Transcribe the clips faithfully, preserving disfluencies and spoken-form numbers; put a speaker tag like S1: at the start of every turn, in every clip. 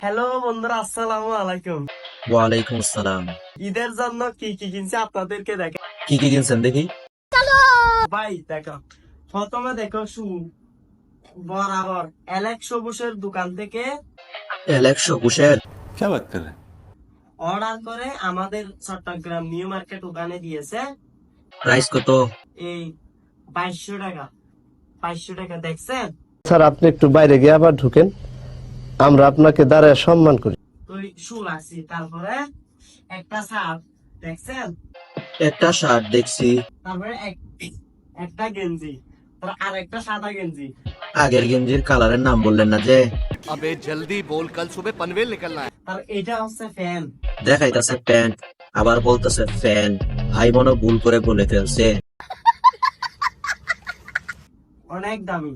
S1: Hello বন্ধুরা, আসসালামু আলাইকুম।
S2: ওয়ালাইকুম আসসালাম।
S1: ঈদের জন্য কি কি কিনছে আপনাদেরকে দেখে
S2: কি কি কিনছেন দেখি?
S1: ভাই দেখো, প্রথমে দেখো শু বরাবর অ্যালেক্স সবুজের দোকান থেকে
S2: একশো কুশের
S3: क्या बात कर रहे हैं?
S1: অর্ডার করে আমাদের চট্টগ্রাম নিউ মার্কেট ওখানে দিয়েছে।
S2: প্রাইস কত?
S1: এই বাইশশো টাকা বাইশশো টাকা দেখছেন?
S4: স্যার আপনি একটু বাইরে গিয়ে আবার ঢুকেন, আমরা আপনাকে দাঁড়ায় সম্মান করি।
S1: তো শু লাগছি, তারপরে একটা শার্ট দেখছেন,
S2: একটা শার্ট দেখছি।
S1: তারপরে এক- একটা গেঞ্জি, তারপর আর একটা সাদা গেঞ্জি।
S2: আগের গেঞ্জির কালারের নাম বললেন না যে?
S5: अबे जल्दी बोल, कल सुबह पनवेल निकलना है।
S1: তার এটা হচ্ছে ফ্যান।
S2: দেখাইতেছে প্যান্ট, আবার বলতেছে ফ্যান। ভাই মনে ভুল করে বলে ফেলছে।
S1: অনেক দামি।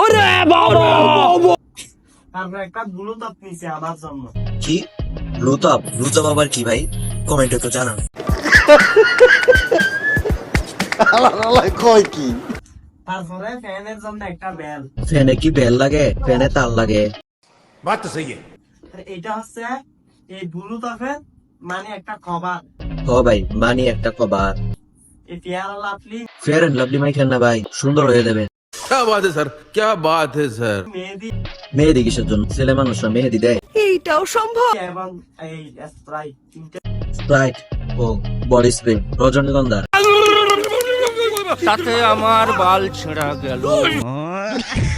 S1: তারপর একটা ব্লুটুথ নিচে আমার জন্য।
S2: কি লুতাপ? লুতাপ আবার কি ভাই? কমেন্টে তো জানান।
S1: তারপরে ফ্যানের জন্য একটা বেল।
S2: ফ্যানে কি বেল লাগে? ফ্যানে তার লাগে।
S3: बात तो सही है।
S1: আর এটা হচ্ছে এই ব্লুটুথের মানে একটা কভার।
S2: ও ভাই, মানি একটা কভার।
S1: এই Fair Lovely
S2: Fair and Lovely মাইখেন না ভাই, সুন্দর হয়ে যাবে।
S3: क्या बात है सर, क्या बात है सर।
S1: মেহেদি
S2: মেহেদি কিসের জন্য? ছেলে মানুষরা মেহেদি দেয়।
S1: এবং এই স্প্রাইট তিনটে।
S2: স্প্রাইট ও বডি স্প্রে রজনীগন্ধা।
S5: তাতে আমার বাল ছেঁড়া গেল।